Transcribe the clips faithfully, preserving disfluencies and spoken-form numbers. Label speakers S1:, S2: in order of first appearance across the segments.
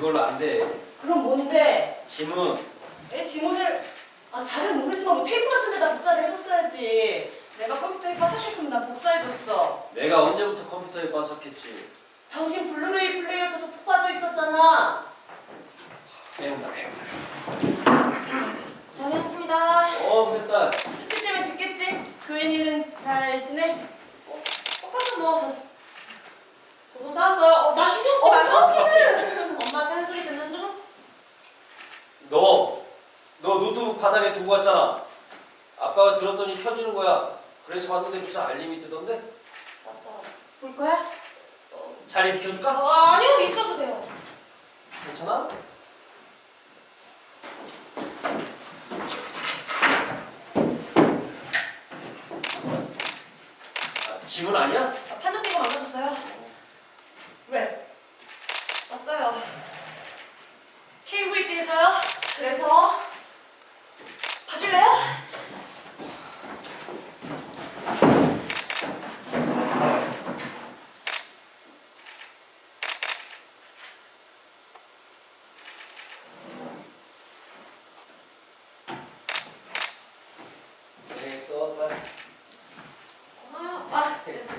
S1: 그걸로 안 돼.
S2: 그럼 뭔데?
S1: 지문.
S2: 내 지문을 아 잘은 모르지만 뭐 테이프 같은 데다 복사를 해줬어야지. 내가 컴퓨터에 빠삭했으면 난 복사해줬어.
S1: 내가 언제부터 컴퓨터에 빠삭했지?
S2: 당신 블루레이 플레이어 써서 푹 빠져 있었잖아.
S1: 배운다 배운다.
S2: 다녀왔습니다.
S1: 어 그랬다.
S2: 숙제 때문에 죽겠지? 그 애니는 잘 지내? 어, 똑같은 뭐.
S3: 누구 싸웠어요? 어, 나 신경 쓰지
S2: 어,
S3: 말고.
S2: 싸우기는.
S3: 엄마한테 한 소리 듣는 중?
S1: 너, 너 노트북 바닥에 두고 갔잖아. 아빠가 들었더니 켜지는 거야. 그래서 봤는데 무슨 알림이 뜨던데?
S2: 맞다. 볼 거야?
S1: 어, 자리 비켜줄까?
S3: 어, 아니요, 있어도 돼요.
S1: 괜찮아? 아, 지문 아니야?
S3: 아, 판독기가 망가졌어요.
S2: 왜?
S3: 왔어요. 케임브리지에서요.
S2: 그래서?
S3: 봐줄래요?
S1: 고생했어. 빨리.
S3: 고마워요. 아,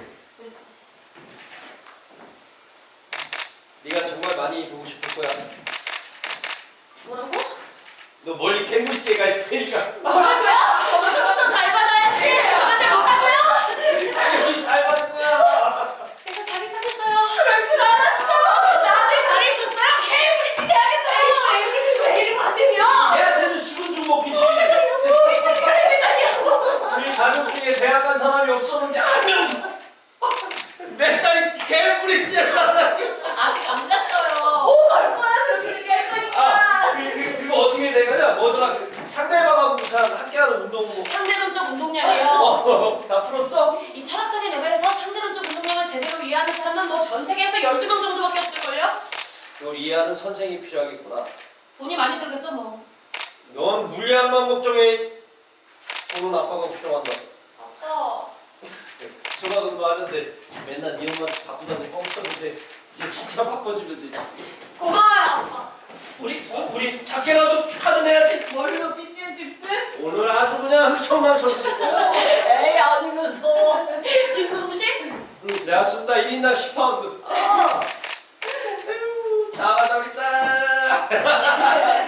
S1: 네가 정말 많이 보고 싶을 거야.
S3: 뭐라고?
S1: 너 멀리 캠브리지에 가 있을 테니까.
S3: 뭐라고요?
S2: 저부터 잘 받아야지.
S3: 죄송한데 뭐라고요?
S1: 당연히 잘 받을 거야.
S3: 내가 자리 탓했어요.
S2: 그럴 줄 알았어.
S3: 나한테 자리를 줬어요. 케임브리지 대학에서요.
S2: 애기를 왜 이리 받으면?
S1: 얘한테는 식은 죽 먹기지.
S2: 우리 정말 믿다니요.
S1: 우리 가족 중에 대학 간 사람이 없었는데 하면 내 딸이 캠브리지를 만나니.
S3: 아직 안 갔어요.
S2: 오, 갈 거야. 그렇게 얘기할 거니까.
S1: 아, 그, 그, 그거 어떻게 된 거냐? 뭐더라? 그 상대방하고 잘 함께하는 운동 뭐.
S3: 상대론적 운동량이요.
S1: 어, 다 풀었어?
S3: 이 철학적인 레벨에서 상대론적 운동량을 제대로 이해하는 사람은 뭐 전 세계에서 열두 명 정도밖에 없을걸요?
S1: 그걸 이해하는 선생이 필요하겠구나.
S3: 돈이 많이 들겠죠 뭐.
S1: 넌 물량만 걱정해. 돈은 아빠가 걱정한다.
S3: 아빠.
S1: 전화도 하는데 맨날 네 엄마 바쁘다고 뻥쳤는데 이제 진짜 바빠지면 되지.
S3: 고마워요 아빠.
S1: 우리 우리 작게라도 축하는 해야지.
S2: 뭘로 피시앤 칩스?
S1: 오늘 아주 그냥 흥청망청 쓸 거야.
S2: 에이, 아니면서.
S3: 진공식?
S1: 응, 내가 쓴다 일 인당 십 파운드.
S3: 어.
S1: 자, 가자 우리 딸.